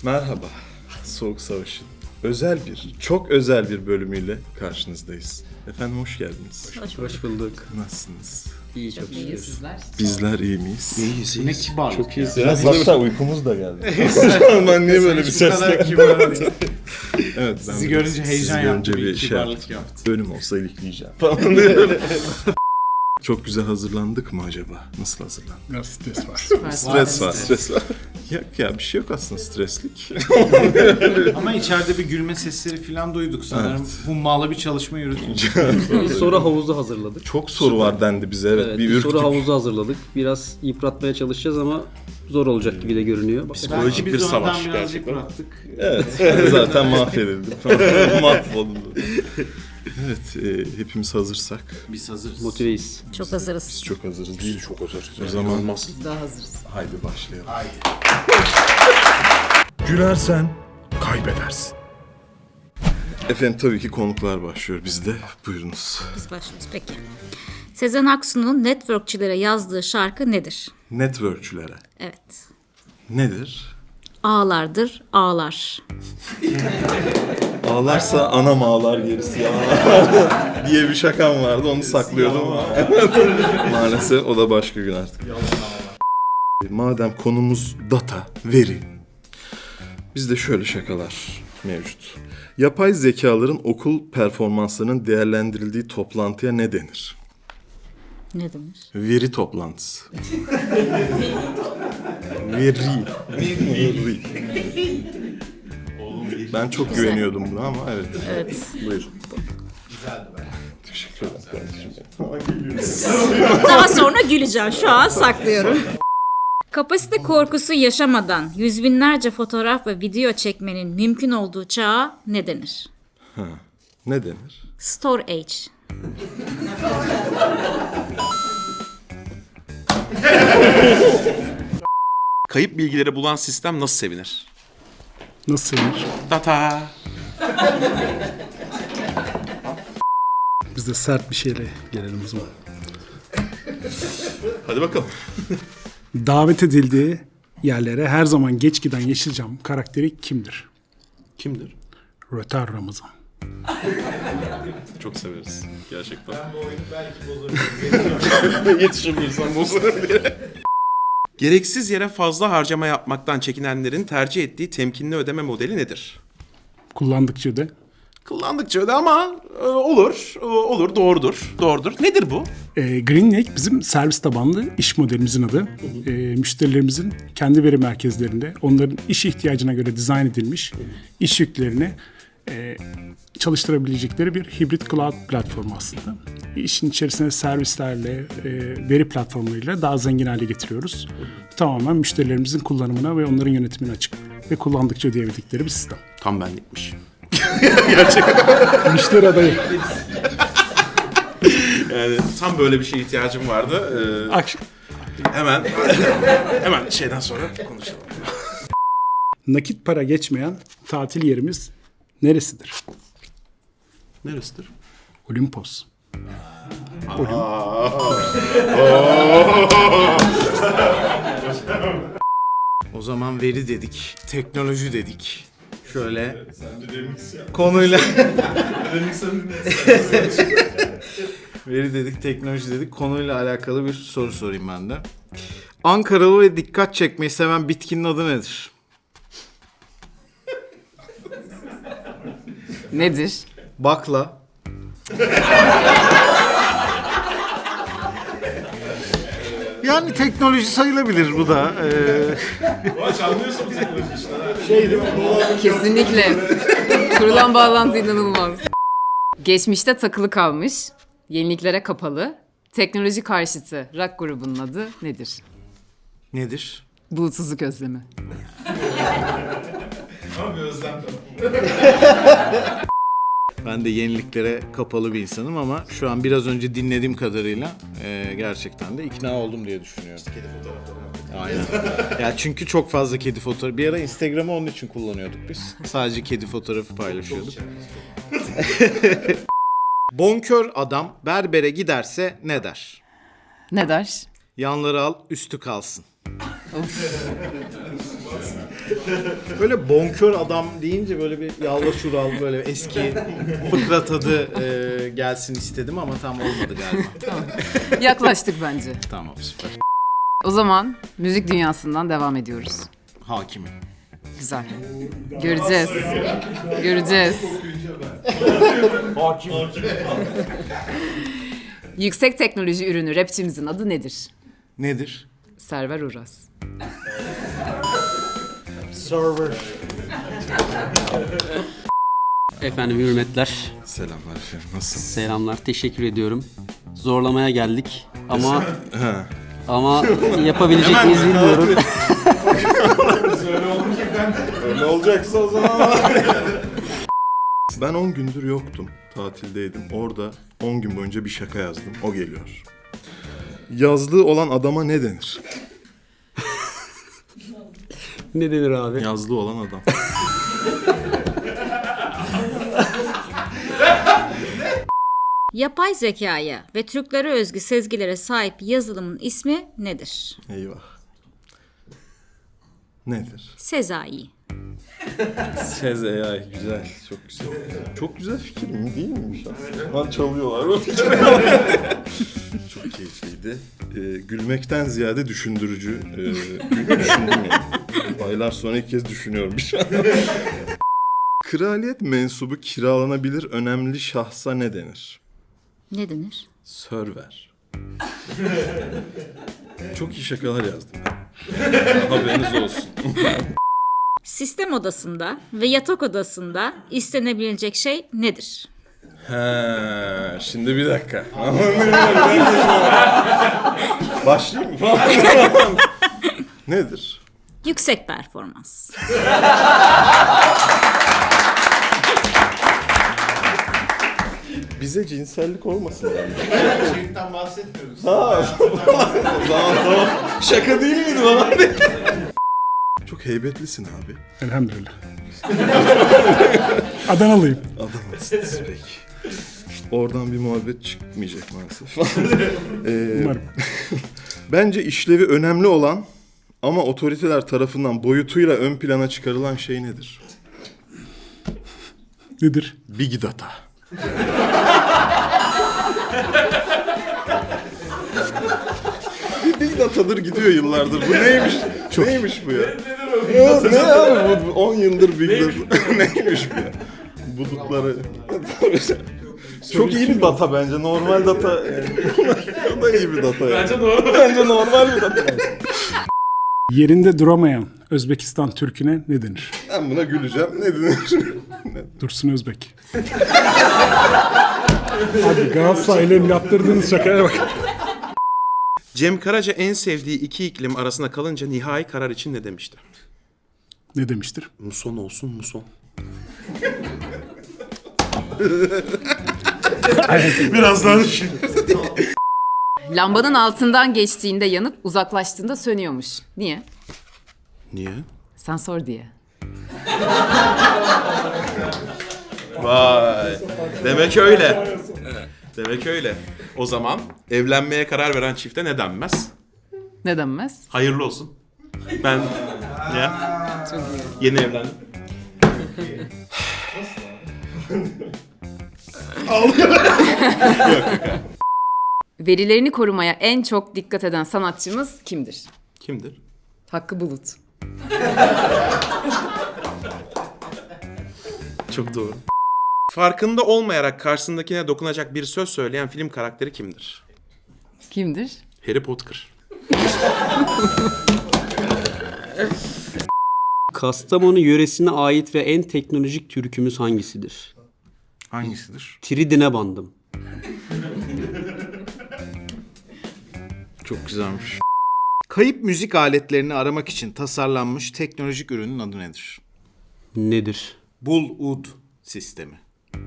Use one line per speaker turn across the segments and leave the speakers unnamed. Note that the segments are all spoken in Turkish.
Merhaba, Soğuk Savaş'ın çok özel bir bölümüyle karşınızdayız. Efendim hoş geldiniz.
Hoş bulduk.
Nasılsınız?
İyi, çok şükür.
Sizler.
Bizler iyi miyiz?
İyiyiz. Ne kibar.
Çok iyiyiz. Biraz hatta uykumuz da geldi. Ben niye böyle bir sesle? Evet, ben
Sizi görünce heyecan yaptı, bir
şey
kibarlık yaptı.
Bölüm olsa ilikleyeceğim falan diye böyle. Çok güzel hazırlandık mı acaba? Nasıl hazırlandık?
Biraz stres var.
Stres var. Yok ya bir şey yok aslında streslik.
Ama içeride bir gülme sesleri falan duyduk sanırım.
Evet.
Hummalı bir çalışma yürütülmüş.
Bir soru havuzu hazırladık.
Çok soru var dendi bize evet. Bir
bir
ürktük.
soru havuzu hazırladık. Biraz yıpratmaya çalışacağız ama zor olacak gibi de görünüyor.
Psikolojik bir savaş gerçekten. Bıraktık.
Evet. Zaten mahvedildim. Mahvoldum. Evet, hepimiz hazırsak.
Biz hazırız.
Motiveyiz.
Çok hazırız.
Biz çok hazırız. Biz çok hazırız. O zaman
Biz daha hazırız.
haydi başlayalım.
Haydi.
Gülersen kaybedersin. Efendim tabii ki konuklar başlıyor bizde. Buyurunuz.
Biz başlıyoruz. Peki. Sezen Aksu'nun networkçilere yazdığı şarkı nedir?
Networkçülere.
Evet.
Nedir?
Ağlardır, ağlar.
Ağlarsa anam ağlar gerisi ya diye bir şakam vardı. Onu saklıyordum ama. Maalesef o da başka gün artık. Madem konumuz data, veri. Bizde şöyle şakalar mevcut. Yapay zekaların okul performanslarının değerlendirildiği toplantıya ne denir?
Ne denir?
Veri toplantısı. Veri. Ben çok güveniyordum buna ama evet.
Evet.
Buyur. Teşekkür ederim kardeşim.
Daha sonra güleceğim. Şu an saklıyorum. Kapasite korkusu yaşamadan yüz binlerce fotoğraf ve video çekmenin mümkün olduğu çağa ne denir?
Ne denir?
Storage.
Kayıp bilgileri bulan sistem nasıl sevinir?
Nasıl sevinir?
Data.
Biz de sert bir şeyle gelelim o zaman.
Hadi bakalım.
Davet edildiği yerlere her zaman geç giden Yeşilçam karakteri kimdir?
Kimdir?
Röter Ramazan.
Çok severiz. Gerçekten. Ben bu oyunu belki bozarım. Yetişemiyorsam bozarım diye. Gereksiz yere fazla harcama yapmaktan çekinenlerin tercih ettiği temkinli ödeme modeli nedir?
Kullandıkça öde.
Kullandıkça öde ama olur, doğrudur. Nedir bu?
GreenLake bizim servis tabanlı iş modelimizin adı. Müşterilerimizin kendi veri merkezlerinde onların iş ihtiyacına göre dizayn edilmiş iş yüklerini çalıştırabilecekleri bir hibrit cloud platformu aslında. İşin içerisine servislerle, veri platformlarıyla daha zengin hale getiriyoruz. Tamamen müşterilerimizin kullanımına ve onların yönetimine açık ve kullandıkça ödeyebildikleri bir sistem.
Tam benlikmiş.
Müşteri adayı.
Yani tam böyle bir şeye ihtiyacım vardı. Hemen şeyden sonra konuşalım.
Nakit para geçmeyen tatil yerimiz neresidir?
Neresidir?
Olimpos.
O zaman veri dedik, teknoloji dedik. Şöyle konuyla veri dedik, teknoloji dedik. Konuyla alakalı bir soru sorayım ben de. Ankaralı ve dikkat çekmeyi seven bitkinin adı nedir?
Nedir?
Bakla. Yani teknoloji sayılabilir bu da.
Kesinlikle. Kurulan bağlantı inanılmaz. Geçmişte takılı kalmış, yeniliklere kapalı, teknoloji karşıtı rock grubunun adı nedir?
Nedir?
Bulutsuzluk özlemi.
Ben de yeniliklere kapalı bir insanım ama şu an biraz önce dinlediğim kadarıyla gerçekten de ikna oldum diye düşünüyorum. Kedi fotoğrafları. Aynen. Ya çünkü çok fazla kedi fotoğrafı. Bir ara Instagram'ı onun için kullanıyorduk biz. Sadece kedi fotoğrafı paylaşıyorduk. Bonkör adam berbere giderse ne der?
Ne der?
Yanları al, üstü kalsın. Böyle bonkör adam deyince böyle bir yalva şural böyle eski fıkra tadı gelsin istedim ama tam olmadı galiba.
Yaklaştık bence.
Tamam, süper.
O zaman müzik dünyasından devam ediyoruz.
Hakimim.
Güzel. Göreceğiz. Göreceğiz. Yüksek teknoloji ürünü rapçimizin adı nedir?
Nedir?
Server Uras.
Server.
Efendim hürmetler,
Selamlar efendim. Nasılsın?
selamlar, teşekkür ediyorum. Zorlamaya geldik ama yapabilecek miyiz bilmiyorum.
Öyle olacaksa o zaman. Ben 10 gündür yoktum. Tatildeydim. Orada 10 gün boyunca bir şaka yazdım. O geliyor. Yazlığı olan adama ne denir?
Ne denir abi?
Yazlığı olan adam.
Yapay zekaya ve Türklere özgü sezgilere sahip yazılımın ismi nedir?
Eyvah. Nedir?
Sezai.
Sez AI. Güzel. Çok güzel. Çok güzel fikir mi? Değil miymiş aslında? Lan çalıyorlar bu fikri. Çok keyifliydi. Gülmekten ziyade düşündürücü. Düşündüm yani. Aylar sonra ilk kez düşünüyorum şu an. Kraliyet mensubu kiralanabilir önemli şahsa ne denir?
Ne denir?
Server. Çok iyi şakalar yazdım ben. Haberiniz olsun.
Sistem odasında ve yatak odasında istenebilecek şey nedir?
He, şimdi bir dakika. Başlayayım mı? Nedir?
Yüksek performans.
Bize cinsellik olmasın yani.
Şeyden bahsetmiyoruz.
O zaman tamam. Şaka değil miydi bana? Çok heybetlisin abi.
Elhamdülillah. Adanalıyım.
Adamsınız peki. Oradan bir muhabbet çıkmayacak maalesef.
Umarım.
Bence işlevi önemli olan ama otoriteler tarafından boyutuyla ön plana çıkarılan şey nedir?
Nedir?
Big Data. Big Data'dır gidiyor yıllardır. Bu neymiş? Neymiş bu ya? Ya ne abi bu 10 yıldır Big Data. Neymiş bu ya? Bulutları. Çok iyi bir data bence. Normal data. O da iyi bir data yani. Bence normal bir data.
Yerinde duramayan Özbekistan Türk'üne ne denir?
Ben buna güleceğim. Ne denir?
Dursun Özbek. Abi Galatasaray'la yaptırdığınız şakaya bak.
Cem Karaca en sevdiği iki iklim arasında kalınca nihai karar için ne demişti?
Ne demiştir?
Muson olsun muson. Biraz daha düşün.
Lambanın altından geçtiğinde yanıp uzaklaştığında sönüyormuş. Niye?
Niye?
Sen sor diye.
Vay. Demek öyle. Demek öyle. O zaman evlenmeye karar veren çifte ne denmez?
Ne denmez?
Hayırlı olsun. Ben ya
Çok iyi.
yeni evlendim.
Verilerini korumaya en çok dikkat eden sanatçımız kimdir?
Kimdir?
Hakkı Bulut.
Çok doğru. Farkında olmayarak karşısındakine dokunacak bir söz söyleyen film karakteri kimdir?
Kimdir?
Harry Potter.
Kastamonu yöresine ait ve en teknolojik türkümüz hangisidir?
Hangisidir?
Tridine bandım.
Çok güzelmiş. Kayıp müzik aletlerini aramak için tasarlanmış teknolojik ürünün adı nedir?
Nedir?
Bull-Ud sistemi.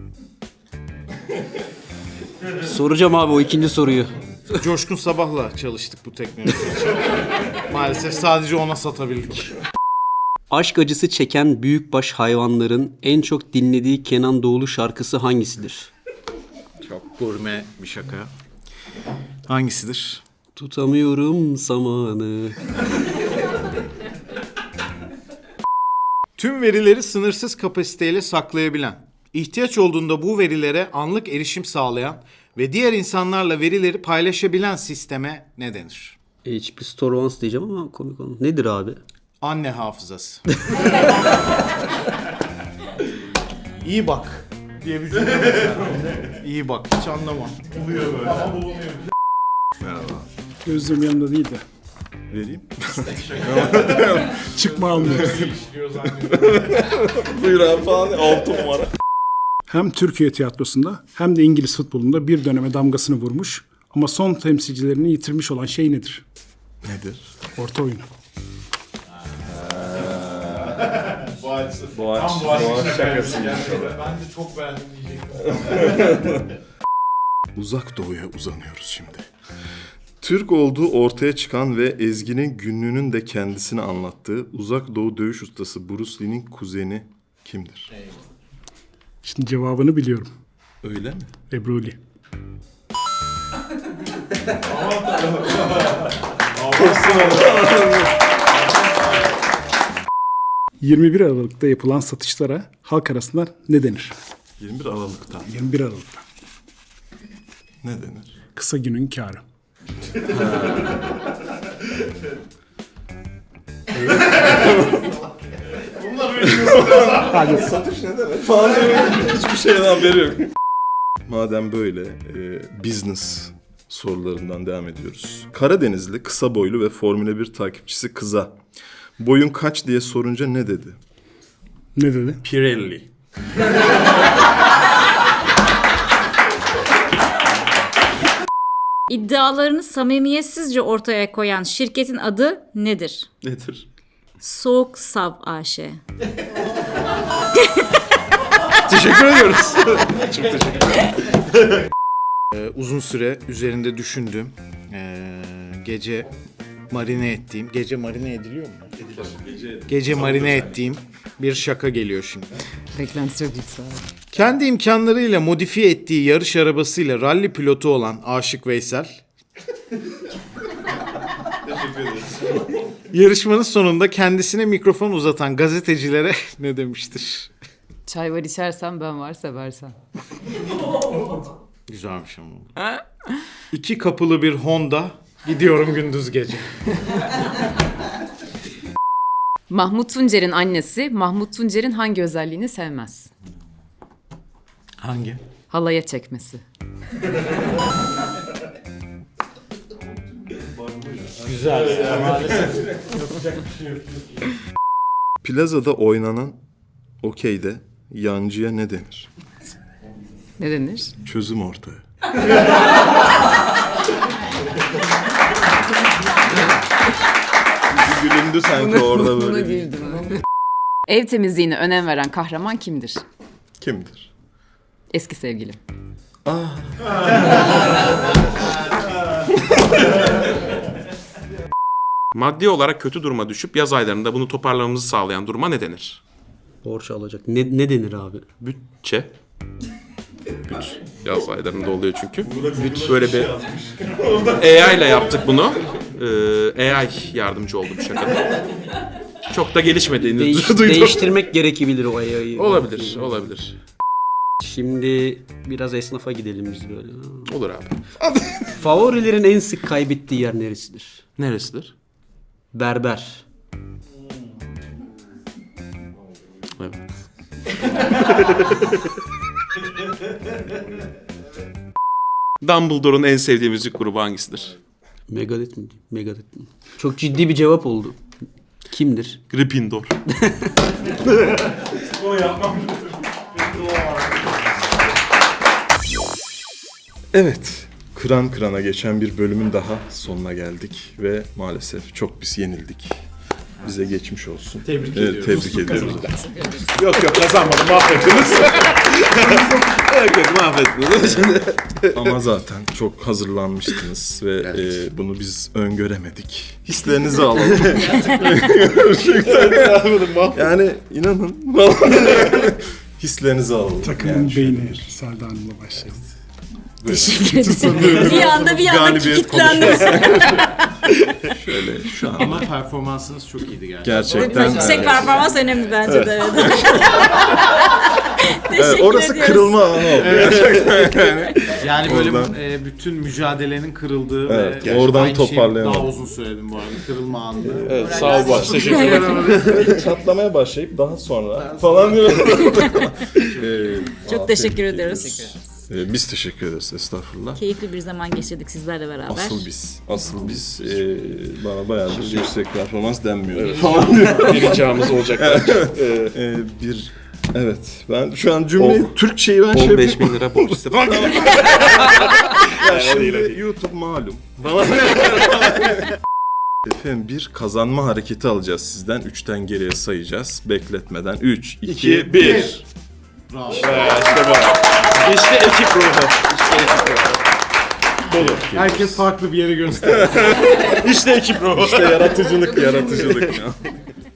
Soracağım abi o ikinci soruyu.
Coşkun Sabah'la çalıştık bu teknoloji için. Maalesef sadece ona satabildik.
Aşk acısı çeken büyükbaş hayvanların en çok dinlediği Kenan Doğulu şarkısı hangisidir?
Çok gurme bir şaka. Hangisidir?
Tutamıyorum zamanı.
Tüm verileri sınırsız kapasiteyle saklayabilen, ihtiyaç olduğunda bu verilere anlık erişim sağlayan ve diğer insanlarla verileri paylaşabilen sisteme ne denir?
HP Store Once diyeceğim ama komik olan. Nedir abi?
Anne hafızası. İyi bak diye bir cümle mesela. İyi bak, hiç anlamam.
Gözlüğüm yanında değil de.
Vereyim.
Çıkma almıyoruz.
Buyur abi falan. 6 numara.
Hem Türkiye tiyatrosunda hem de İngiliz futbolunda bir döneme damgasını vurmuş ama son temsilcilerini yitirmiş olan şey nedir?
Nedir?
Orta oyunu.
Boğaç şakası.
Ben de çok beğendim diyecektim.
Uzak Doğu'ya uzanıyoruz şimdi. Türk olduğu ortaya çıkan ve Ezgi'nin günlüğünün de kendisini anlattığı Uzak Doğu dövüş ustası Bruce Lee'nin kuzeni kimdir?
Şimdi cevabını biliyorum.
Öyle mi?
Ebru Lee. ...21 Aralık'ta yapılan satışlara halk arasında ne denir?
21 Aralık'ta.
21 Aralık'ta.
Ne denir?
Kısa günün kârı.
Satış ne demek? Falan hiçbir şeyden haberi yok. Madem böyle business sorularından devam ediyoruz. Karadenizli, kısa boylu ve Formula 1 takipçisi kıza boyun kaç diye sorunca ne dedi?
Ne dedi?
Pirelli.
İddialarını samimiyetsizce ortaya koyan şirketin adı nedir?
Nedir?
Soğuk Sav AŞ.
Teşekkür ediyoruz. Çok teşekkür ederim.
Uzun süre üzerinde düşündüğüm, gece marine ettiğim, gece marine ediliyor mu? Gece marine ettiğim bir şaka geliyor şimdi.
Beklenti çok yüksek.
Kendi imkanlarıyla modifiye ettiği yarış arabasıyla ralli pilotu olan Aşık Veysel. Yarışmanın sonunda kendisine mikrofon uzatan gazetecilere ne demiştir?
Çay var içersen ben var seversen.
Güzelmiş ama. 2 kapılı bir Honda, gidiyorum gündüz gece.
Mahmut Tuncer'in annesi Mahmut Tuncer'in hangi özelliğini sevmez?
Hangi?
Halaya çekmesi.
Güzel. Maalesef.
Plazada oynanan okeyde yancıya ne denir?
Ne denir?
Çözüm ortağı. Gülündü sanki orada
Buna
böyle.
güldüm. Ev temizliğine önem veren kahraman kimdir?
Kimdir?
Eski sevgilim.
Maddi olarak kötü duruma düşüp yaz aylarında bunu toparlamamızı sağlayan duruma ne denir?
Borç alacak. Ne denir abi?
Bütçe. Yaz aylarında oluyor çünkü. Böyle bir AI ile yaptık bunu. AI yardımcı oldu bu şakada. Çok da gelişmediğini duydum.
Değiştirmek gerekebilir o AI'yı.
Olabilir.
Şimdi biraz esnafa gidelim biz böyle.
Olur abi.
Favorilerin en sık kaybettiği yer neresidir?
Neresidir?
Berber.
Evet. Dumbledore'un en sevdiği müzik grubu hangisidir?
Megadeth mi? Megadeth mi? Çok ciddi bir cevap oldu. Kimdir?
Gryffindor.
Evet, kıran kırana geçen bir bölümün daha sonuna geldik ve maalesef çok biz yenildik. Bize geçmiş olsun. Tebrik ediyoruz. Tebrik ediyoruz.
Yok kazanmadım, mahvettiniz.
Mahvettiniz. Ama zaten çok hazırlanmıştınız ve bunu biz öngöremedik. Hislerinizi alalım. Gerçekten. Yani inanın. Hislerinizi alalım.
Takımın beyni Selda Hanım'la başlayalım.
Teşekkür ederim. Bir anda
Galibiyet
kilitlendim.
Şöyle şu an.
Ama performansınız çok iyiydi gerçekten.
Gerçekten.
Yüksek performans önemli bence de. Evet.
Evet,
Teşekkür
orası
ediyoruz.
kırılma anı oldu.
Yani böyle
Oradan-
bütün mücadelenin kırıldığı
Evet,
ve
oradan
aynı şeyi
toparlayamadım.
daha uzun söyledim bu arada. Kırılma anında.
Evet, sağ ol baş. Teşekkür ederim.
Çatlamaya başlayıp daha sonra falan diyor.
Çok teşekkür ediyoruz.
Biz teşekkür ederiz, estağfurullah.
Keyifli bir zaman geçirdik sizlerle beraber.
Asıl biz bana bayağıdır yüksek performans denmiyor.
Bir ricamız olacak.
Ben şu an cümleyi, Türkçeyi ben
15 bin lira borç istedim.
Ya şimdi YouTube malum. Falan. Efendim bir kazanma hareketi alacağız sizden. 3'ten geriye sayacağız. Bekletmeden 3, 2, 1.
Bravo.
İşte bu. İşte ekip ruhu.
Herkes farklı bir yere gösteriyor.
İşte ekip ruhu.
İşte yaratıcılık ya.